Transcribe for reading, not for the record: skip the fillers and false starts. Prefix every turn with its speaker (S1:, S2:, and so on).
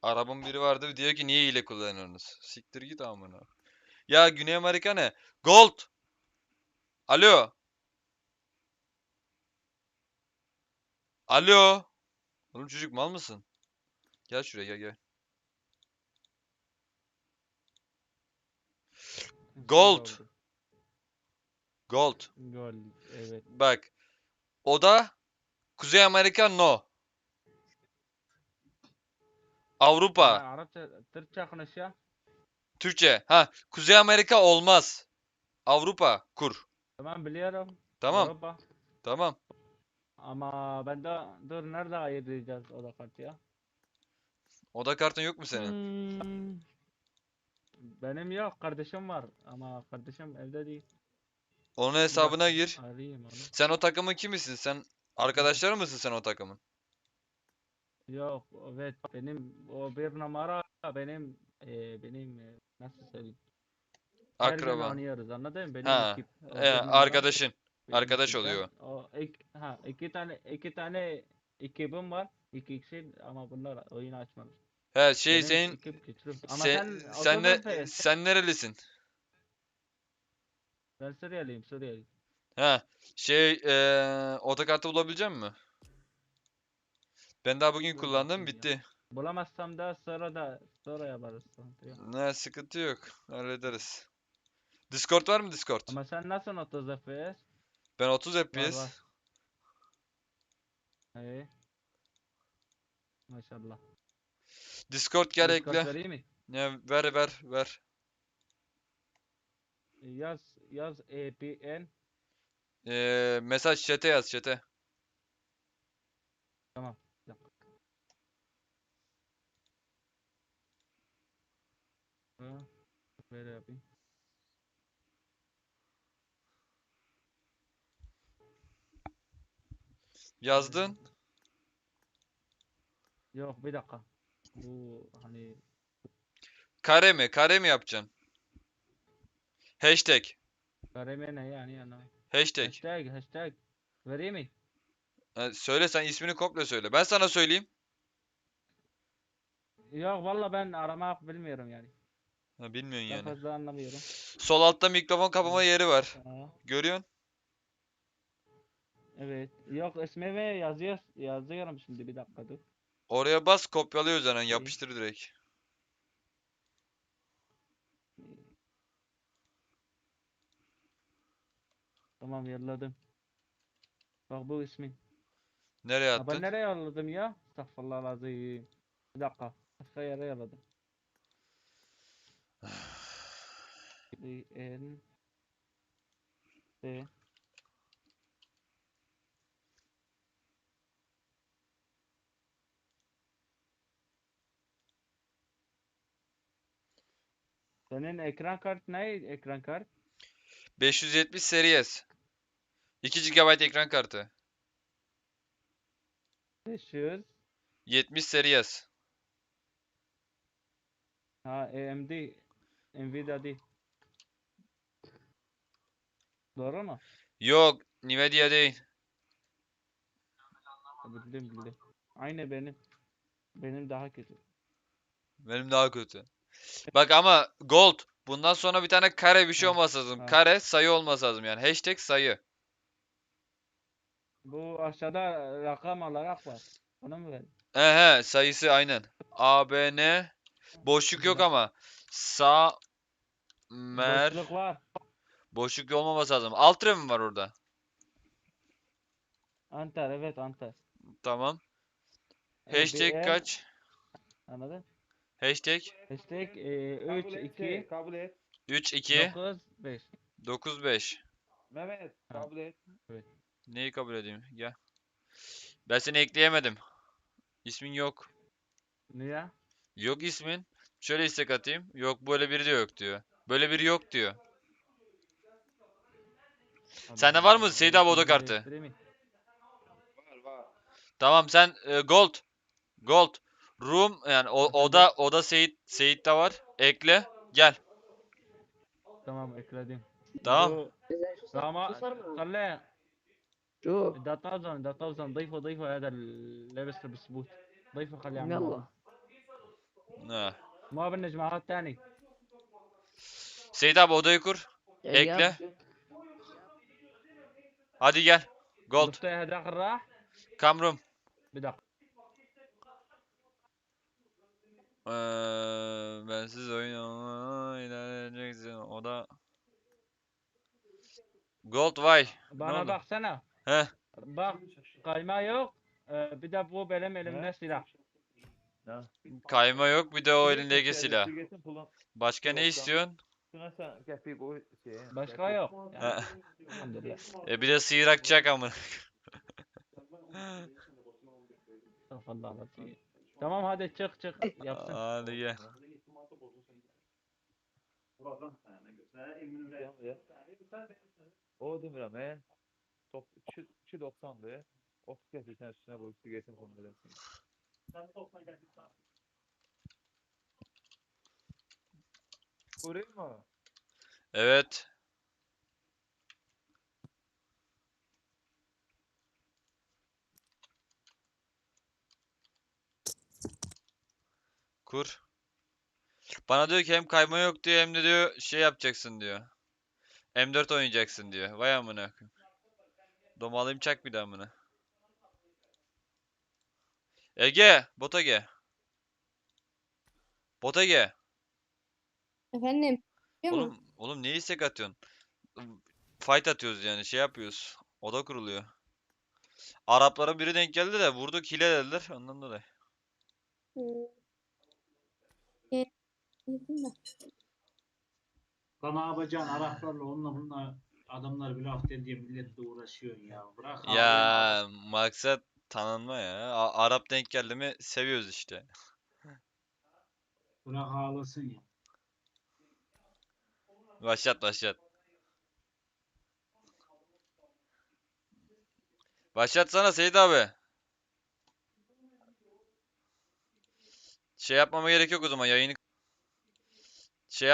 S1: Arap'ın biri vardı diyor ki niye hile kullanıyorsunuz? Siktir git amına. Ya Güney Amerika ne? Gold. Alo. Alo. Oğlum çocuk mal mısın? Gel şuraya gel gel.
S2: Şey
S1: Gold.
S2: oldu.
S1: Gold.
S2: Gol. Evet.
S1: Bak. O da Kuzey Amerika no.
S2: Ben
S1: Avrupa.
S2: Arapça, Türkçe konuşuyor.
S1: Türkçe. Ha. Kuzey Amerika olmaz. Avrupa kur.
S2: Tamam biliyorum.
S1: Tamam.
S2: Avrupa.
S1: Tamam.
S2: Ama ben de dur nerede ayıracağız o da kartı.
S1: Oda kartın yok mu senin?
S2: Hmm, benim yok kardeşim var ama kardeşim evde değil.
S1: Onun
S2: Bir
S1: hesabına
S2: dakika
S1: gir.
S2: arayayım onu.
S1: Sen o takımın kimisin? Sen arkadaşlar mısın sen o takımın?
S2: Yok evet benim o bir numara benim nasıl söyleyeyim. Her gün
S1: Akraban.
S2: oynuyoruz anladın mı? Benim
S1: Ha.
S2: ekip o bir numara
S1: Arkadaşın.
S2: benim
S1: Arkadaş
S2: ekipten
S1: oluyor.
S2: o iki tane ekibim var. İki kişi ama bunlar oyun açmamış.
S1: He
S2: Benim
S1: senin
S2: ekip güçlü. Ama sen
S1: sen
S2: 30
S1: ne
S2: FPS.
S1: sen nerelisin?
S2: Ben Suriyeliyim Suriyeli.
S1: He otokartı bulabilecek misin? Ben daha bugün
S2: Dur
S1: kullandım
S2: bakayım ya.
S1: bitti.
S2: Bulamazsam da sonra yaparız. Sıkıntı yok.
S1: Ne sıkıntı yok. Hallederiz. Discord var mı Discord?
S2: Ama sen nasıl 30 FPS?
S1: Ben 30
S2: Var var.
S1: FPS.
S2: İyi. Maşallah.
S1: Discord gel
S2: Discord
S1: ekle.
S2: vereyim mi?
S1: Ne ver.
S2: Yaz APN.
S1: Mesaj chat'e yaz chat'e.
S2: Tamam. Bir dakika. Ha, böyle yapayım.
S1: Yazdın.
S2: Yok bir dakika. Bu hani
S1: Kare mi? Kare mi yapacaksın? Hashtag.
S2: kareme ne yani.
S1: Hashtag.
S2: Hashtag. Vereyim mi?
S1: Söyle sen ismini komple söyle. Ben sana söyleyeyim.
S2: Yok valla ben aramak bilmiyorum yani.
S1: Ha, bilmiyorsun
S2: Ben
S1: yani.
S2: fazla anlamıyorum.
S1: Sol altta mikrofon kapama
S2: Evet.
S1: yeri var.
S2: Aa,
S1: Görüyorsun?
S2: evet. Yok ismi ve yazıyorum şimdi bir dakika dur.
S1: Oraya bas kopyalıyor üzerinden
S2: Şey,
S1: yapıştır direkt.
S2: tamam yolladım. Bak bu ismin.
S1: Nereye
S2: Ha ben
S1: attın?
S2: nereye yolladım ya? Estağfurullah lazım. Bir dakika. Başka yere yolladım. N T Senin ekran kart ne? Ekran kart?
S1: 570 Series. 2 GB ekran kartı.
S2: 500.
S1: 70 Series.
S2: Ha AMD. Nvidia değil. Doğru mu?
S1: Yok, Nvidia değil.
S2: Bildim. Aynı benim. Benim daha kötü.
S1: Benim daha kötü. Bak ama Gold. Bundan sonra bir tane kare bir şey
S2: Ha.
S1: olması lazım.
S2: Ha.
S1: Kare sayı olması lazım yani. Hashtag sayı.
S2: Bu aşağıda rakam olarak var. Onu mu ver?
S1: Sayısı aynen. ABN. Boşluk
S2: Bir
S1: yok
S2: dakika.
S1: ama. Sa mer.
S2: Boşluk var.
S1: Boşluk olmaması lazım. Alt mi var orada?
S2: Antar evet Antar.
S1: Tamam. Hashtag
S2: ABN
S1: kaç?
S2: anladın?
S1: Hashtag
S2: Hashtag
S3: Kabul
S2: 3
S3: et
S2: 2
S3: kabul et.
S1: 3 2
S2: 9 5.
S1: 9 5.
S3: Mehmet
S2: Ha
S3: kabul et.
S2: evet.
S1: Neyi kabul edeyim? Gel. Ben seni ekleyemedim. İsmin yok.
S2: Niye?
S1: Yok ismin. Şöyle istek atayım. Yok böyle biri de yok diyor. Böyle biri yok diyor.
S2: Allah
S1: Sende var mı
S2: Allah. Ben
S1: Seyit abi oda
S2: ismimi
S1: kartı?
S2: değiştireyim mi?
S3: Var.
S1: Tamam sen gold. Gold. Room yani
S2: Efendim?
S1: oda Seyit'te var. Ekle. Gel.
S2: Tamam ekledim.
S1: Tamam.
S2: Bu Rama خليه
S4: شوف
S2: ده طازن ضيفه هذا اللي لابس البسبوت ضيفه خليه يعمل
S4: يلا
S2: معروف
S1: Ha.
S2: ما بالنجمة هذا الثاني.
S1: Seyit abi odayı kur. Ekle. Hadi gel. Gold.
S2: ضفتها هذاك الراح.
S1: Kamrum.
S2: بدق.
S1: Bensiz oyun ilerleyeceksin. O da Gold vay. Ne
S2: Bana
S1: oldu?
S2: baksana.
S1: Heh.
S2: Bak kayma yok. Bir de bu benim elimde
S3: Ne?
S2: silah.
S3: Ne?
S1: Kayma yok bir de o
S3: Siz
S1: elindeki
S3: getir,
S1: silah.
S3: siz getirin pulun.
S1: Başka ne
S3: Yoksa-
S1: istiyorsun?
S3: Şuna sen kepi koy şeye.
S2: Başka
S3: kepi.
S2: yok. Yani,
S1: Ha.
S2: elhamdülillah.
S1: Bir de sıyrakçak amına.
S2: Allah razı. Tamam hadi çık yapsın.
S1: Hadi gel.
S3: O demirəm, top 2.90'dı. 30 getirsen üstüne koy, siz getirin pulunu ödersin. Kurayım mı?
S1: Evet. Kur. Bana diyor ki hem kayma yok diyor hem de diyor şey yapacaksın diyor. M4 oynayacaksın diyor. Vay amına koyayım. Domalıyım çak bir daha amına. Ege, bota ge. Bota ge.
S4: Efendim, biliyor musun?
S1: Oğlum niye istek atıyorsun? Fight atıyoruz yani şey yapıyoruz. Oda kuruluyor. Araplara biri denk geldi de vurduk hile dediler ondan dolayı.
S4: Hmm. E, girdim de.
S5: Lan ne yapacaksın Araplarla onunla bununla adamlar bir laf diye milletle uğraşıyorsun ya. Bırak
S1: Ya maksat tanınma ya. Arap denk geldi mi seviyoruz işte.
S5: bırak ağlasın ya.
S1: Başlat başlat. Başlatsana Seyit abi. Şey yapmama gerek yok o zaman yayını